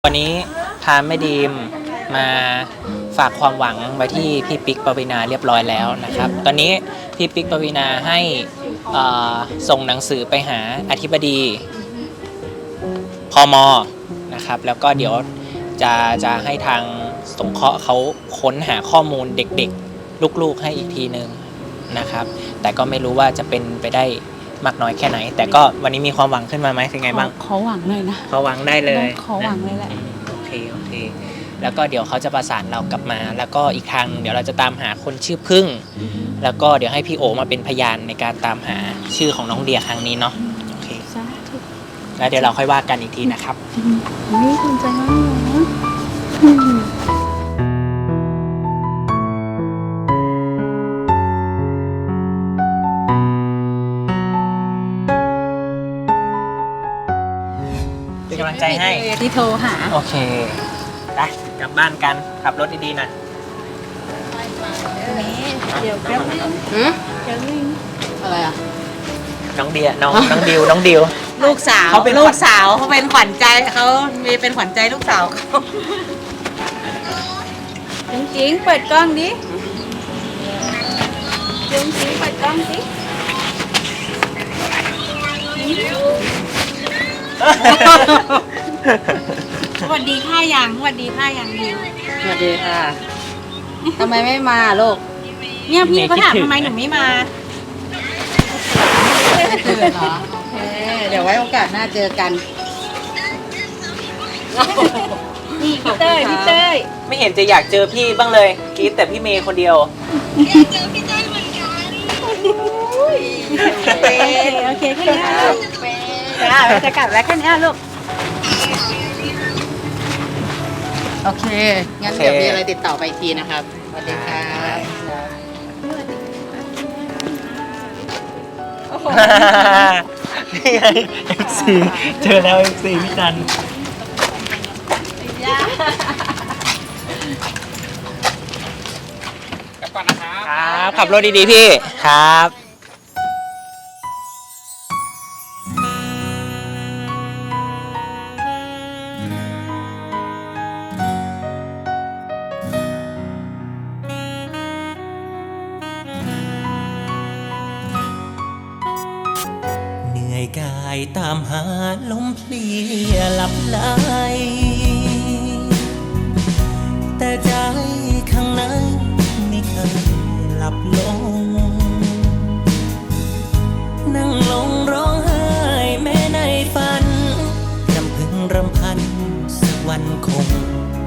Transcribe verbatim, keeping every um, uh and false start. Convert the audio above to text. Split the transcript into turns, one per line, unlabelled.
วันนี้พาแม่ดีมมาฝากความหวังไว้ที่พี่ปิ๊กปวีณาเรียบร้อยแล้วนะครับตอนนี้พี่ปิ๊กปวีณาให้ส่งหนังสือไปหาอธิบดีพม.นะครับแล้วก็เดี๋ยวจะจะให้ทางสงเคราะห์เขาค้นหาข้อมูลเด็กๆลูกๆให้อีกทีนึงนะครับแต่ก็ไม่รู้ว่าจะเป็นไปได้มากน้อยแค่ไหนแต่ก็วันนี้มีความหวังขึ้นมาไหมเป็นไงบ้าง
ขอหวังหน่อยนะ
ขอหวังได้เลย
ขอหวังเลยแหละ
โอเคโอเคแล้วก็เดี๋ยวเขาจะประสานเรากลับมาแล้วก็อีกทางเดี๋ยวเราจะตามหาคนชื่อพึ่งแล้วก็เดี๋ยวให้พี่โอมาเป็นพยานในการตามหาชื่อของน้องเดียครั้งนี้เนาะโอเคแล้วเดี๋ยวเราค่อยว่ากันอีกทีนะครับ
นี่คุณใจมาก
เป็นกำลังใจให้
ที่โทรหา
โอเคไปกลับบ้านกันขับรถดีๆนะ
เดี๋ยวแป๊บนึงแป๊บนึงอะไรอ่ะ
น้องเดียน้องน้องดิวน้องดิว
ลูกสาวเขาเป็นลูกสาวเขาเป็นขวัญใจเขามีเป็นขวัญใจลูกสาวเขา
จริงจริงเปิดกล้องดิจริงจริงเปิดกล้องดิ
สวัสดีค่ะยังสวัสดีค่ะยังดิว
สวัสดีค่ะทำไมไม่มาลูก
เนี่ยพี่เขาถามทำไมหนูไม่มา
เจอเหรอโอเคเดี๋ยวไว้โอกาสหน้าเจอกัน
นี่พี่เต้ยพี่เต้ย
ไม่เห็นจะอยากเจอพี่บ้างเลยกรี๊ดแต่พี่เมย์คนเดียว
อยากเจอพี่เต้ยเหมือนกันโอเคแค่นี้จ้าจะกลับแล้วแค่นี้ลูก
โอเคงั้นเดี๋ยวมีอะไรติดต่อไปอีกทีนะครับสวัสดีค่ะ
นี่ไง เอฟ ซี เจอแล้ว เอฟ ซี พี่จันกลับก่อนนะครับครับขับรถดีๆพี่ครับ
กายตามหาลมเพลียหลับไหลแต่ใจข้างในไม่เคยหลับลงนั่งลงร้องไห้แม้ในฝันรำพึงรำพันสักวันคง